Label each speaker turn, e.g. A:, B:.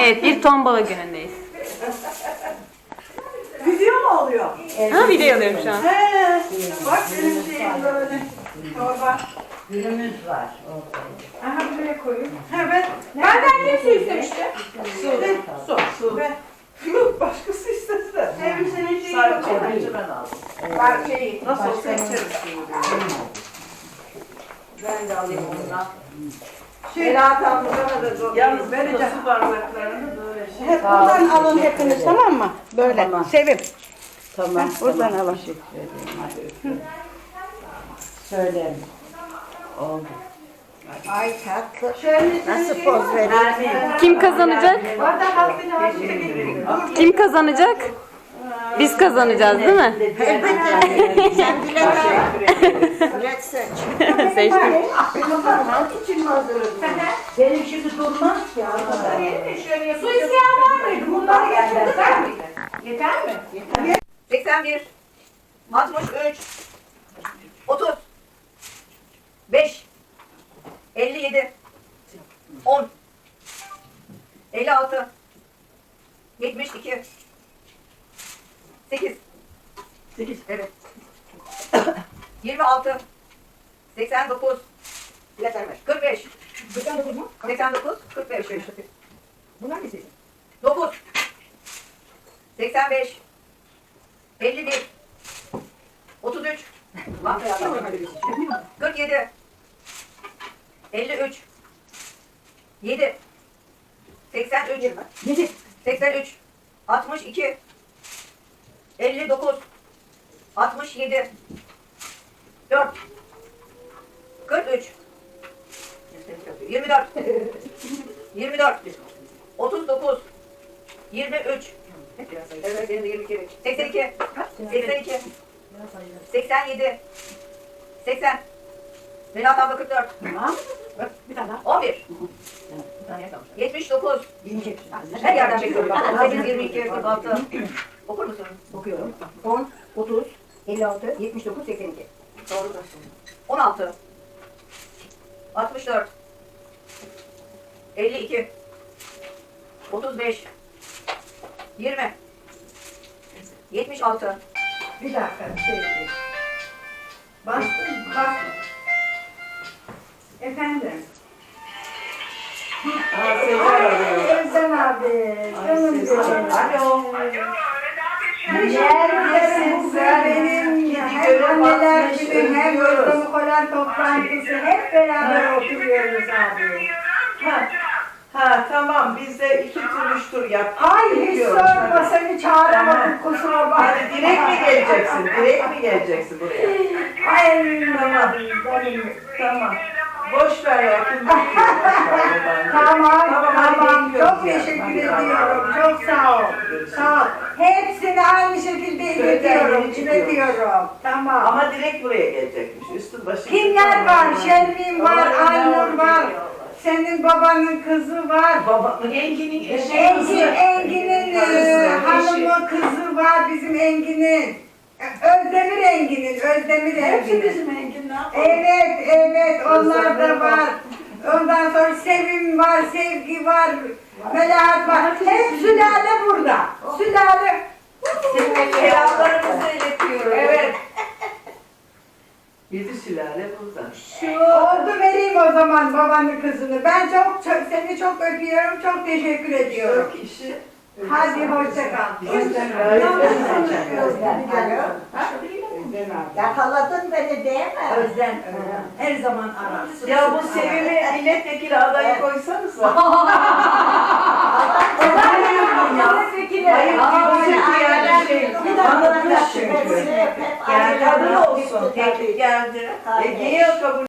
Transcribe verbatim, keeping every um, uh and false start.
A: Evet, bir tombala günündeyiz.
B: Video mu oluyor?
A: Ha, video alıyorum şu an.
B: He. Bak benim şeyim böyle. Torba.
C: Gülümüz var orada.
B: Aha buraya koyayım. Ha ben. Benden kim su istemişti? Su. Su. Su. Ben. Yok başkası istese. Sevim senin şeyi yok.
C: Sadece
B: ben aldım. Ben şeyi nasıl olsa içeriz suyu. Ben de alayım ondan. Melahat ablamına da zor. Yalnız vereceğim. Su bardaklarını böyle şey.
D: Hep buradan alın hepiniz, tamam mı? Böyle.
C: Tamam.
D: Sevim.
C: Tamam.
D: Heh, buradan
C: tamam.
D: alın.
C: Teşekkür ederim. Hadi öpüyorum. Söylerim. Oldu.
D: Ay tatlı.
B: Şöyle
D: Nasıl poz veriyor?
A: Kim kazanacak?
B: Bardak altına altına getireyim.
A: Kim kazanacak? Biz kazanacağız değil mi?
D: Elbette. Sen bilet bilet seç.
A: Seçtim.
D: için mi hazırladın?
C: Benim şimdi durmaz ki.
B: Su isteyen var mıydı? Bunları yeter miydi? Yeter mi? Yeter.
E: seksen bir, altmış üç, otuz, beş, elli yedi, on, elli altı, yetmiş iki, sekiz, sekiz, evet, yirmi altı, seksen dokuz, kırk beş, seksen dokuz mu? seksen dokuz, kırk beş, bunlar ne seçim? dokuz, seksen beş, elli bir, otuz üç, kırk yedi, elli üç, yedi, seksen üç, seksen üç, altmış iki, elli dokuz, altmış yedi, dört, kırk üç, yirmi dört, yirmi dört, otuz dokuz, yirmi üç, evet, benim de yirmi iki, seksen iki, seksen iki, seksen yedi, seksen, Melahat abla kırk dört,
B: Bir tane daha.
E: on bir, yetmiş dokuz, her yerden çekiyorum bak, on sekiz, yirmi iki, kırk altı, okur musun?
F: Okuyorum. on, otuz, elli altı, yetmiş dokuz, seksen iki.
E: Doğru. on altı, altmış dört, elli iki, otuz beş, yirmi, yetmiş altı,
B: Bir dakika bir şey diyeyim. Bastın mı? Bastım. Efendim. Özlem abi. Canım benim.
E: alo,
B: Neredesin sen benim? Hem anneler günü hem yurdumu kolan toplantısı hep beraber oturuyoruz abi.
G: Ha, ha tamam biz de iki tur üç tur yaptık.
B: Ay hiç
G: Biliyorum.
B: sorma seni çağıramadım kusura bakma.
G: Hadi direkt mi geleceksin? Direkt mi geleceksin buraya?
B: Ay
G: Tamam.
B: benim.
G: Tamam. Boş ver ya. Kim bakıyor? Boş ver babaanne.
B: Tamam,
G: Tamam, hadi
B: tamam.
G: bekliyoruz
B: Çok
G: ya.
B: teşekkür
G: Hadi,
B: ediyorum.
G: hadi.
B: Çok sağ ol. Sağ ol. Hepsini aynı şekilde iletiyorum,
G: Özellikle çıkıyoruz.
B: iletiyorum. Tamam.
G: Ama direkt buraya gelecekmiş. Üstün başı.
B: Kimler var? Şermin var,
G: Allah'ım,
B: Aynur
G: yavrum,
B: var.
G: yavrum.
B: Senin babanın kızı var.
G: Baba, Engin'in eşi.
B: Engin, Engin'in e,
G: Karısı,
B: hanımı, kızı var bizim Engin'in. Özdemir Engin'in, Özdemir Engin'in.
G: Engin ne yapalım?
B: Evet, evet, onlar da
G: Özdemir
B: var. Ondan sonra Sevim var, Sevgi var, Melahat var. Hep sülale burada. Sülale.
E: selamlarımızı iletiyorum.
G: Evet. Yedi sülale burada.
B: Oldu vereyim o zaman babanın kızını. Ben çok, çok seni çok öpüyorum, çok teşekkür ediyorum.
G: Çok işi.
B: Hadi hoşça kal.
D: Yakaladın beni değil mi?
B: Özlem, her zaman arar.
G: Ya bu Sevim'i milletvekili adayı koysanıza. Hayır, bu yani şey, anlatmış çünkü. Yani kadın olsun, teklif geldi. Ege'ye kabul